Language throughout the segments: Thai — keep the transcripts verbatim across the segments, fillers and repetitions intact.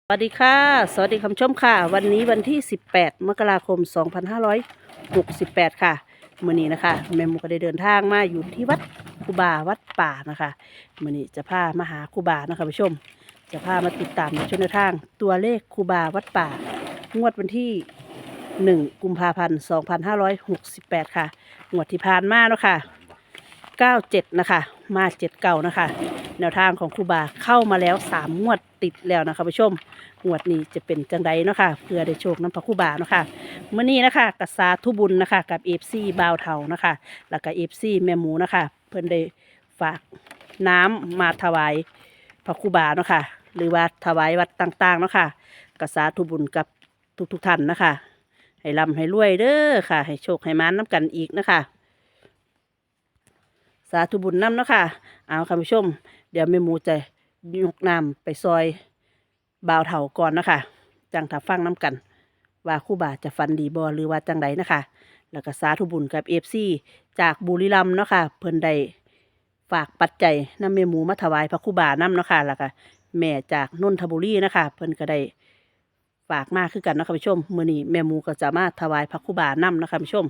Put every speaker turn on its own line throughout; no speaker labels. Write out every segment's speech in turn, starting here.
สวัสดีค่ะสวัสดีคำชมค่ะวันนี้วันที่สิบแปดมกราคมสองพันห้าร้อยหกสิบแปดค่ะมื้อนี้นะคะแม่หมูก็ได้เดินทางมาอยู่ที่วัดครูบาวัดป่านะคะมื้อนี้จะพามาหาครูบานะคะผู้ชมจะพามาติดตามในช่วงทางตัวเลขครูบาวัดป่างวดวันที่หนึ่งกุมภาพันธ์สองพันห้าร้อยหกสิบแปดค่ะงวดที่ผ่านมาเนาะค่ะเก้าเจ็ดนะคะมาเจ็ดเก่านะคะแนวทางของครูบาเข้ามาแล้วสามงวดติดแล้วนะคะผู้ชมงวดนี้จะเป็นจังใดเนาะค่ะเพื่อได้โชคน้ำพระครูบาเนาะค่ะมื้อนี้นะคะกษาทุบุญนะคะกับเอฟซีบาวเทานะคะแล้วก็เอฟซีแม่หมูนะคะเพิ่นได้ฝากน้ำมาถวายพระครูบาเนาะค่ะหรือว่าถวายวัดต่างๆเนาะค่ะกษาทุบุญกับทุกๆท่านนะคะให้ร่ำให้รวยเด้อค่ะให้โชคให้มานน้ำกันอีกนะคะสาธุบุญน้ำเนาะค่ะเอาค่ะผู้ชมเดี๋ยวแม่หมูจะยกน้ำไปซอยบ่าวเถาก่อนนะคะจังถ้าฟังน้ำกันว่าครู่บาจะฟันดีบอหรือว่าจังใดนะคะแล้วก็สาธุบุญกับเอฟซีจากบุรีรัมย์เนาะค่ะเพิ่นได้ฝากปัจจัยนำแม่หมูมาถวายพระครู่บาน้ำเนาะค่ะแล้วก็แม่จากนนทบุรีนะคะเพิ่นก็ได้ฝากมาคือกันนะคะผู้ชมมื้อนี้แม่หมูก็จะมาถวายพระครู่บาน้ำนะคะผู้ชม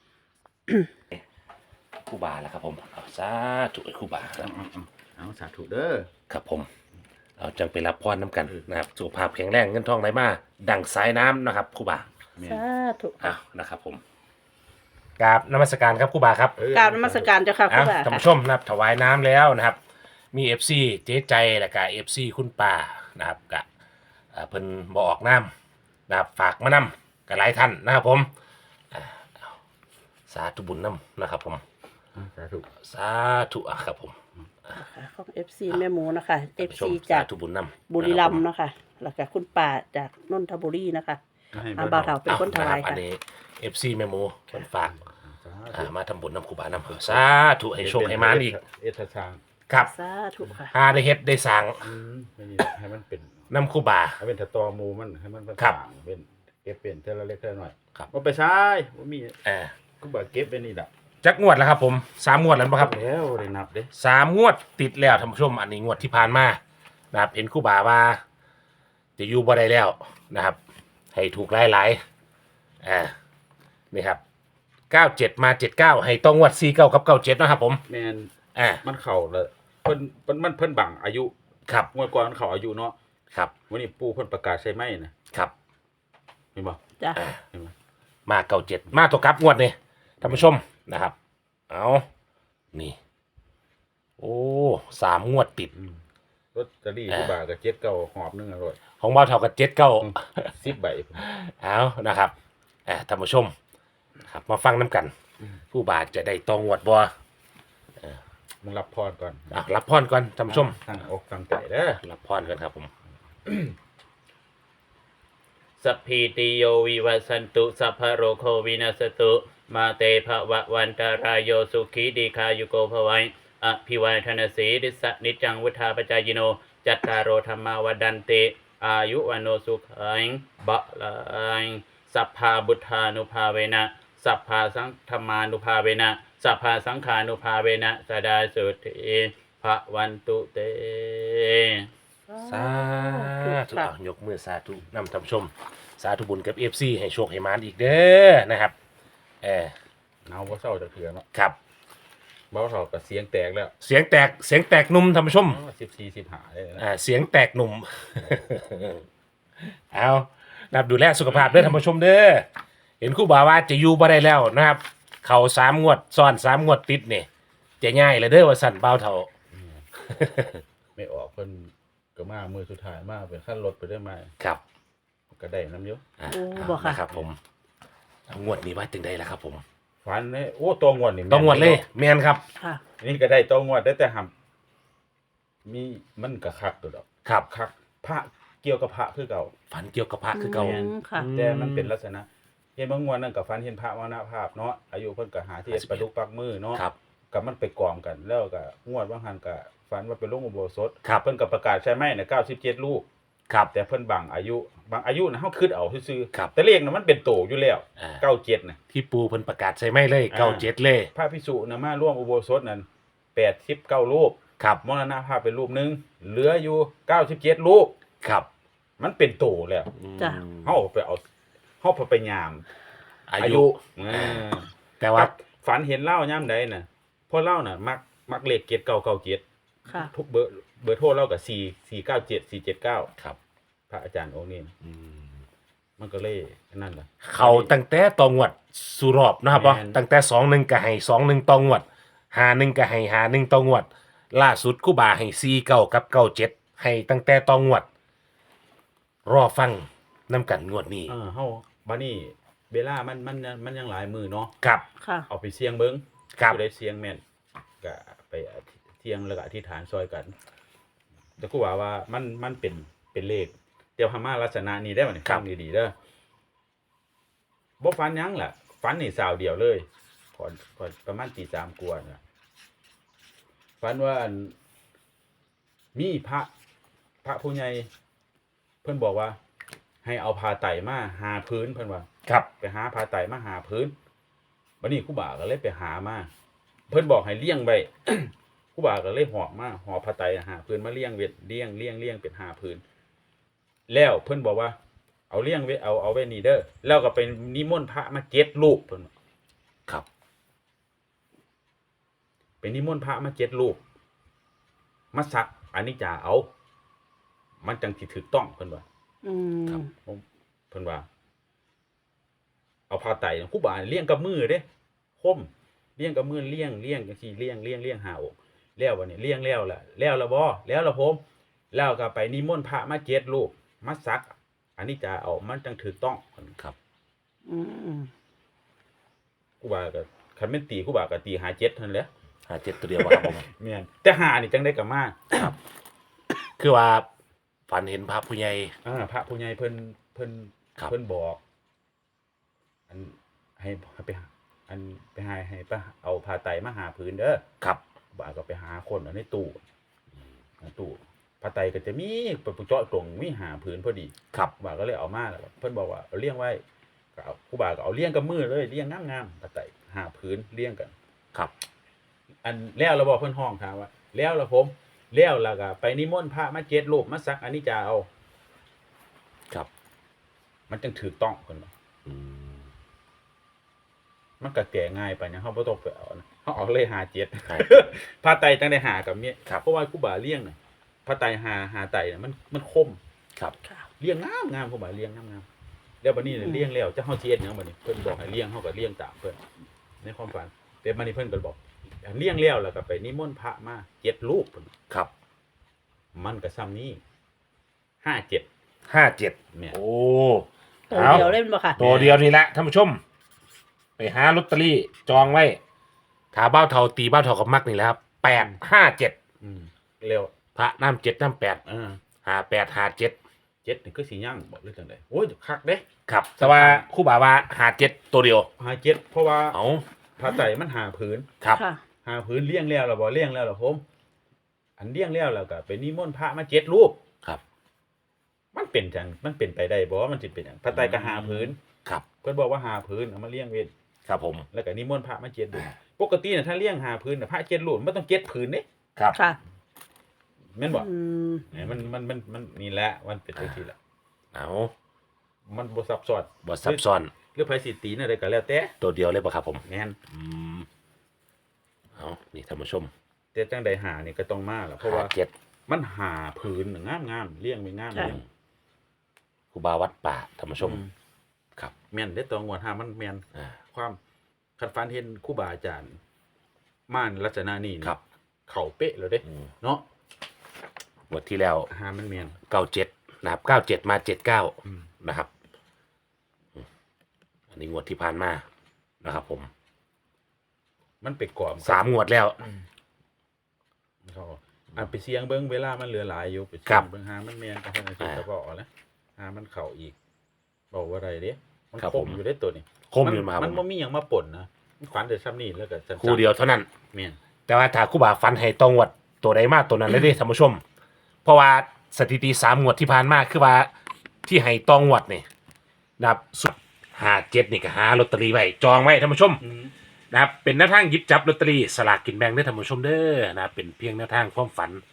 ครูบาแล้วครับผมเอาสาธุไอ้ครูบาครับ
เอาสาธุเด้อ
ครับผมเอาจังไปรับพรน้ำกันนะครับสุขภาพแข็งแรงเงินทองไหลมาดังสายน้ำนะครับครูบา
สาธุ
เอานะครับผมกราบนมัสการครับครูบาครับ
กราบนมัสการเจ้าค่ะค
เอา
รู่บา
ท่าน
ค่ะ
ผู้ชมนะครับถวายน้ำแล้วนะครับมีเอฟซีเจ๊ใจและก็เอฟซีคุณป่านะครับกะเอ่อเพิ่นบอกน้ำนะครับฝากมานำกับหลายท่านนะครับผมอ่าเอาสาธุบุญน้ำนะครับผม
สาธุ
สาธุอ่ะครับผม
ของ เอฟ ซี แม่หมูนะคะ เอ
ท่าน
ฟ
ผู้ช
ซี
ม
จาก
สธุบุญนำ
บุรีรัมย์เนาะค่ะแล้วก็คุณป่าจากนนทบุรีนะคะอาบ่าวเฒ่าเป็นคนถวาย
อั
ค่ะ
นนี้ เอฟ ซี แม่หมูคนฝาก
สา
อ่า
ธุ
มาทำบุญนำครูบานำสาธุให้โชคให้มานอีก
เอทชาง
ครับ
สาธุค่ะ
หาได้เฮ็ดได้สั่ง
อืมไม่มีให้มันเป็น
นำครูบา
ให้เป็นตะตอมูมันให้มันเป็น
ครับ
ต่างเป็นเก็บเป็นเท่าละเล็กเท่าละน้อย
ครับ
ว่าไปใช้ว่ามี
เอ่า
ก็บอกเก็บเป็นนี่แหละ
จักงวดแล้วครับผมสามงวดแล้วป่ะครับ
แล้วได้นับเด้
สามงวดติดแล้วท่านผู้ชมอันนี้งวดที่ผ่านมานะครับเห็นครูบาว่า จะอยู่บ่ได้แล้วนะครับ ให้ถูกหลายหลายๆอ่านี่ครับเก้าเจ็ดมาเจ็ดเก้าให้ต้องงวดสี่เก้ากับเก้าเจ็ดนะครับผม
แมน
อ่า
มันเข่าเลยเพิ่นเพิ่นมันเพิ่นบังอายุ
ครับ
งวดก่อนมันเข่าอายุเนาะ
ครับ
วันนี้ปู่เพิ่นประกาศใช่ไหมนะครับ เห็นบ่
จ้ะ
อ่า
เห็นไหม
มาเก้าเจ็ดมาตัวกลับงวดนี่ท่านผู้ชมนะครับ เอานี่ โอ้สามงวดติด
อืมรถจะรีกูบากับเจ็ดเก้าหอบหนึงอร่อย
ของเบาเท่ากับเจ็ดเก้า
สิบใบ
เอานะครับอ่าท่านผู้ชมนะครับมาฟังน้ำกัน ผู้บาทจะได้ตองวดบัว
มึงรับพรก่อน
อ่ะรับพรก่อนท่านผู้ชม
ตั้งอกตั้งใจเด้อ
รับพรกันครับผม
สัพพิติโยวิวัสสันตุสัพพะโรโควินาศตุมาเตภวะวันตารายโยสุขีดีคายุโกภวัยอภิวาทนาสีดิสะนิจังวุธาปจายโนจัตตารโอธรรมาวดันติอายุวันโนสุขังบะลังสัพพาบุทธานุภาเวนะสัพพาสังธรรมานุภาเวนะสัพพาสังขานุภาเวนะสดาสุติภะวันตุเต
สาธุ
ค่ะ
เอายกมือสาธุนำท่านผู้ชม สาธุบุญกับเอฟซีให้โชคให้มานอีกเด้อนะครับเออ
เอาบ่เศร้าจะเถื่อเนาะ
ครับ
เบาเท่ากับเสียงแตกแล้ว
เสียงแตกเสียงแตกหนุ่มท่านผู้ชม
สิบสี่สิบห้าเลยนะ
อ่าเสียงแตกหนุ่ม เอานับดูแลสุขภาพเด้อท่านผู้ชมเด้อเห็นครู่บ่าวว่าจะอยู่บ่ได้แล้วนะครับ เขาสามงวดซ้อนสามงวดติดเนี่ยจะง่ายเลยเด้อว่าสั่นเบาเท่า
ไม่ออกเพิ่นก็มามือสุดท้ายมาเป็นขั้นรถไปได้มา
ครับ
ก็ได้น้ำเยอะ
อ่า
โอ้บ่ค่ะ
นะครับผมเอางวดนี้ว่าจึงได้แล้วครับผม
ฟันเนี่ยโอ้ตัวงวดนี่แม่น
ต้องงวดเลยแมนครับ
ค่ะ
นี่ก็ได้ตัวงวดได้แต่หำมีมันก็คักตัวดอก
ครับ
คักพระเกี่ยวกับพระคือเก่า
ฝันเกี่ยวกับพระคือเก่า
อืมค่ะ
แต่มันเป็นลักษณะเห็นบางงวดนั่นกับฟันเห็นพระมรณภาพเนาะอายุเพิ่นก็หาที่ประดุกปักมือเนาะ
ครับ
กับมันไปกองกันแล้วก็งวดบางหันก็ฝันว่าเป็นลงอุโบสถ
ครับ
เพิ่นก็ประกาศใช่ไหมเนี่ยเก้าสิบเจ็ดลูก
ครับ
แต่เพิ่นบังอายุบางอายุนะเฮาคิดเอาซื่อๆ
ครับ
แต่เลขน่ะมันเป็นโตอยู่แล้ว
อ่า
เก้าเจ็ดน่ะ
ที่ปูเพิ่นประกาศใช่ไหมเลย
อ่า
เก้าเจ็ดเลย
พระภิกษุน่ะมาร่วมอุโบสถนั้นแปดสิบเก้ารูป
ครับ
มรณภาพเป็นรูปหนึงเหลืออยู่เก้าสิบเจ็ดรูป
ครับ
มมันเป็นโตแล้ว
จ้ะ
เฮาไปเอาเฮาไปยาม
อา
อา
ยุ
ยุเออ
แต่ว่า
กับฝันเห็นเล่ายามใดน่ะเพราะเล่าน่ะมักมักเลขเจ็ดเก้าเก้าเจ็ด
ค่ะ
ทุกเบอร์เบอร์โทรเล่ากับสี่ สี่เก้าเจ็ด สี่เจ็ดเก้า
ครับ
พระอาจารย์องค์นี้
อืม
มันก็เลยนั่นล่ะ
เขาตั้งแต่ตองวดสุรอบนะครับ
แม่น
เนาะตั้งแต่สองหนึ่งก็ให้สองหนึ่งตองวดหาหนึ่งก็ให้หาหนึ่งตองวด ล่าสุดกูบาให้สี่เก้ากับเก้าเจ็ดให้ตั้งแต่ตองวด รอฟังน้ำกันงวดนี้
เออเฮาบัดนี้เวลามันมันมันยังหลายมือเนาะ
ครับ
ค่ะ
เอาไปเสี่ยงเบิ่ง
ครับ
ผู้ใดเสี่ยงแม่นก็ไปเที่ยงแล้วก็อธิษฐานซอยกัน แต่กูว่าว่ามันมันเป็นเป็นเลขเดี๋ยวพม่าลักษณะนี้ได้บ่เนี่ย
ครับ
ฟังดีๆเด้อบ่ฝันหยังล่ะฝันนี่สาวเดียวเลยก่อนก่อนประมาณตีสามกว่าน่ะฝันว่าอันมีพระพระผู้ใหญ่เพิ่นบอกว่า ให้เอาผ้าไตรมาหาพื้นเพิ่นว่า
ครับ
ไปหาผ้าไตรมาหาพื้นวันนี้ครูบาก็เลยไปหามาเพิ่นบอกให้เลี้ยงไว้ ครูบาก็เลยหอบมาหอบผ้าไตรหาพื้นมาเลี้ยงเวทเลี้ยงเลี้ยงเลี้ยงเป็นหาพื้นแล้วเพิ่นบอกว่า เอาเลี้ยงไว้เอาเอาไว้นี่เด้อแล้วก็ไปนิมนต์พระมาเจ็ดรูปเพิ่นว่า
ครับ
ไปนิมนต์พระมาเจ็ดรูปมาสักอันนี้จะเอา มันจังสิถูกต้องเพิ่นว่า
อืม
ผมเพิ่นว่า เอาผ้าไตรครูบาเลี้ยงกับมือเด้คมเลี้ยงกับมือเลี้ยงเลี้ยงจังซี่เลี้ยงเลี้ยงเลี้ยงหาอกแล้วบัดนี้เลี้ยงแล้วล่ะแล้วละบ่แล้วละผมแล้วก็ไปนิมนต์พระมาเจ็ดรูปมาสัก อันนี้จะเอามันจังถูกต้อง
ครับ
อืม
ครูบาก็คันแม่นตีครูบาก็ตีหาเจ็ดเท่านั้นแหละ
หาเจ็ดตัวเดียวบ่ครับผม
แม่นแต่หานี่จังได้ก็มา
คือว่าฝันเห็นพระผู้ใหญ่
อ่าพระผู้ใหญ่เพิ่นเพิ่น
ครับ
เพิ่นบอก อันให้ให้ไปหาอันไปหาให้ไปเอาผ้าไตรมาหาพื้นเด้อ
ครับ
บ่าก็ไปหาคนเอาในตู้ในตู้ผ้าไตรก็จะมีปะเจาะตรงมีหาพื้นพอดี
ครับ
บ่าก็เลยเอามาแล้วเพิ่นบอกว่าเอาเลี้ยงไว้ก็เอาครูบาก็เอาเลี้ยงกับมือเลยเลี้ยงงามๆผ้าไตรหาพื้นเลี้ยงกัน
ครับ
อันแล้วเราบอกเพิ่นห้องถามว่า แล้วละผมแล้วแล้วก็ไปนิมนต์พระมาเจ็ดรูปมาสักอันนี้จะเอา
ครับ
มันจึงถูกต้องเพิ่นว่า
อืม
มันก็แก่ง่ายไปนะเฮาบ่ต้องไปเอานะเฮาเอาเลยหาเจ็ด
ใช่
ผ้าไตรจังได้หากับเมีย
ครับ
เพราะว่าครูบาเลี้ยงน่ะผ้าไตรหาหาไตรน่ะมันมันคม
ครับ
ค่ะ
เลี้ยงงามงามครูบาเลี้ยงงามงามแล้วบัดนี้เนี่ย
อืม
เลี้ยงแล้วจะเฮาสิเฮ็ดหยังบัดนี้เพิ่นบอกให้เลี้ยงเฮาก็เลี้ยงตามเพิ่นในความฝันแต่บัดนี้เพิ่นก็บอกเลี้ยงแล้วแล้วก็ไปนิมนต์พระมาเจ็ดรูปเพิ่น
ครับ
มันก็ซ้ำนี้ห้าเจ็ด
ห้าเจ็ด
แม่น
โอ้
ตัวเดียวเล่นบ่ค่ะ
ตัวเดียวนี่แหละท่านผู้ชม ไปหาลอตเตอรี่จองไว้ถาเบ้าเทาตีเบ้าเทากับมักนี่แหละครับแปดห้าเจ็ด
อืมแล้ว
พระน้ำเจ็ดน้ำแปด
อ่า
หาแปดหาเจ็ด
เจ็ดนี่คือสิย่างบอกเลยจังได๋โอ้ยคักเด้
ครับ แต่ว่าครู่บ่าว่าหาเจ็ดตัวเดียว
หาเจ็ดเพราะว่า
เอา
ผ้าไตรมันหาผืน
ครับ
ค่ะ
หาพื้นเลี้ยงแล้วล่ะบ่เลี้ยงแล้วล่ะผม อันเลี้ยงแล้วแล้วก็ไปนิมนต์พระมาเจ็ดรูป
ครับ
มันเป็นจังมันเป็นไปได้บ่มันสิเป็นหยังพระไตรก็หาพื้น
ครับ
เพิ่นบอกว่าหาพื้นเอามาเลี้ยงเวท
ครับผม
แล้วก็นิมนต์พระมาเจ็ดรูปปกติน่ะถ้าเลี้ยงหาพื้นน่ะพระเจ็ดรูปมันต้องเจ็ดพื้นเด้
ครับ
ค่ะ
แม่นบ่
อืม
เนี่ยมันมันมันมันนี่แหละมันเป็นจังซี่แหละ
เอา
มันบ่ซับซ้อน
บทซับซ้อน
หรือไผสิตีน่ะได้ก็แล้วแต่
ตัวเดียวเลยป่ะครับผม
แม่น
อืมเอานี่ท่านผู้ชม
แต่จังใดหานี่ก็ต้องมาล่ะเพราะว่า
หเจ็ด
มันหาพื้นน่ะงามๆเลี้ยงไว้งาม
ใช่
เลี้ยง
ครูบาวัดป่าท่านผู้ชม
อื
ครับ
แม่นได้ตัวงวดหามันแม่น
อ่า
ความคันฟันเห็นครูบาอาจารย์ม่านลักษณะนี้นี่
ครับ
เข่าเป๊ะเลยเด้
อืม
เนาะ
งวดที่แล้ว
หามันเมียน
เก้าเจ็ดนะครับเก้าเจ็ดมาเจ็ดเก้า
อืม
นะครับอืมอันนี้งวดที่ผ่านมานะครับ ผม
มันไปกรอบ
สามงวดแล้ว
อืมเขาอันไปเสียงเบิ้งเวลามันเหลือหลายอยู่ไปเสี
ครั
ย
บ
งเบิ้งหามันเมียนก็ให้มัน
อ่า
เฉพาะแล้วหามันเข่าอีกบอกว่าอะไรเด้มัน
ครับ
ค
ผม ม
อยู่ได้ตัวนี้
คมอยู่มาครับ
มัน
ผ
บ่
ม
มีหยังมาป่นนะมันขวัญแต่ซ้ำนี่แล้วก็จัน
คู่เดียวเท่านั้น
เมียน
แต่ว่าถ้าครู่บาฟันให้ตรงงวดตัวใดมากตัวนั้นเลยเด้ท่านผู้ชม เพราะว่าสถิติสามงวดที่ผ่านมาคือว่าที่ให้ตองงวดนี่นะครับสุดหาเจ็ดนี่ก็หาลอตเตอรี่ไว้จองไว้ท่านผู้ชม
อืม
นะครับเป็นแนวทางหยิบจับลอตเตอรี่สลากกินแบ่งได้ท่านผู้ชมเด้อนะครับเป็นเพียงแนวทางความฝัน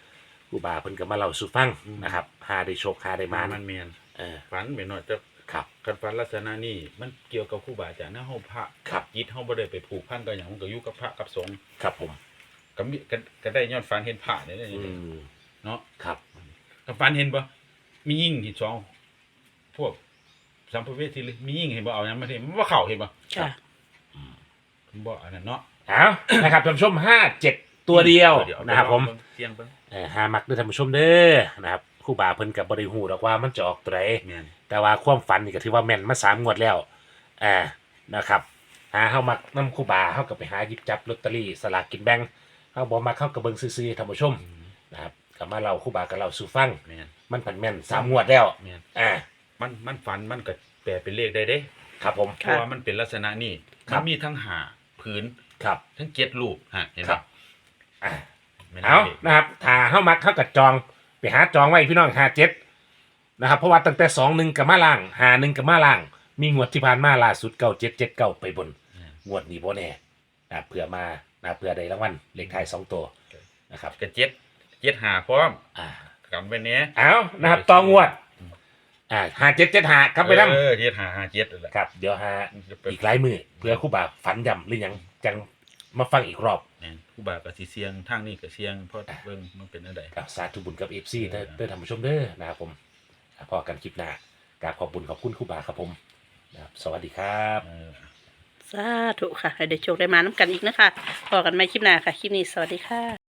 ครูบาเพิ่นก็มาเล่าสู่ฟัง
อืม
นะครับหาได้โชคหาได้
มั
มาน น
มันแม่น
เออ
ฝันไปหน่อยแต่
ครับ
คันฝันลักษณะนี้มันเกี่ยวกับครูบาอาจารย์นะเฮาพระ
ครับ
จิตเฮาบ่ได้ไปผูกพันกับหยังมันก็อยู่กับพระกับสงฆ์
ครับผม
ก็มีก็ก็ได้ย้อนฝันเห็นพระนี่แหละ
อืม
เนาะ
ครับ
ก็ฝันเห็นบ่มียิ่งที่สองพวกสัมภเวสีเลยมียิ่งเห็นบ่เอาหยังมาเห็นบ่เข้าเห็นบ่
ค่ะ
บ่อันนั้นเนาะ
เอานะครับท่านผู้ชมห้าเจ็ดตัวเดียวนะครับผม
เสียงเบิ่ง
เออหามักเด้อท่านผู้ชมเด้อนะครับครูบาเพิ่นก็บ่ได้ฮู้ดอกว่ามันจะออกตัวใด
แม่น
แต่ว่าความฝันนี่ก็ถือว่าแม่นมาสามงวดแล้วอ่านะครับหาเฮามักนำครูบาเฮาก็ไปหาหยิบจับลอตเตอรี่สลากกินแบ่งเฮาบ่มักเฮาก็เบิ่งซื่อๆท่านผู้ชมนะครับก็มาเล่าครูบาก็เล่าสู่ฟัง
แม่น
มันผันแม่นสามงวดแล้ว
แม่น
อ่า
มันมันฝันมันก็แปลเป็นเลขได้เด้
ครับผม
เพราะว่ามันเป็นลักษณะนี้
ครั
มั
บ
นมีทั้งหาผืน
ครับ
ทั้งเจ็ดรูปฮะเห็น
ครั
ป่ะ
บ อ่า
ไม่น่
เอา
ลข
นะครับถ้าเฮามักเฮาก็จองไปหาจองไว้พี่น้องห้าเจ็ดนะครับเพราะว่าตั้งแต่สองหนึ่งกับมาล่างหาหนึ่งกับมาล่าง มีงวดที่ผ่านมาล่าสุดเก้าเจ็ดเจ็ดเก้าไปบน งวดนี้บ่แน่นะเผื่อมานะเผื่อได้รางวัลเลขท้ายสองตัวนะครับ
กระเจ็ดเจ็ดหาพร้อม
อ่า
กันไปเนี้ย
เอานะครับต่องวดอ่าห้าเจ็ดเจ็ดหาครับไปนำ
เออเจ็ดหาหาเจ็ดนั่นแหละ
ครับเดี๋ยวหา
จะเป็น
อีกหลายมือเพื่อครู่บาฝันยำหรือยังจังมาฟังอีกรอบ
เนี่ยผู้บากับสีเสียงทางนี้กับเสียงเพราะเบิ่งมันเป็นอะไร
กับสาธุบุญกับเอฟซี
เออ
เด้อท่านผู้ชมเด้อนะครับผมอ่าพอกันคลิปหน้ากราบขอบบุญขอบคุณครู่บาครับผมนะครับสวัสดีครับ
เออ
สาธุค่ะให้ได้โชคได้มาน้ำกันอีกนะคะพอกันใหม่คลิปหน้าค่ะ คลิปนี้สวัสดีค่ะ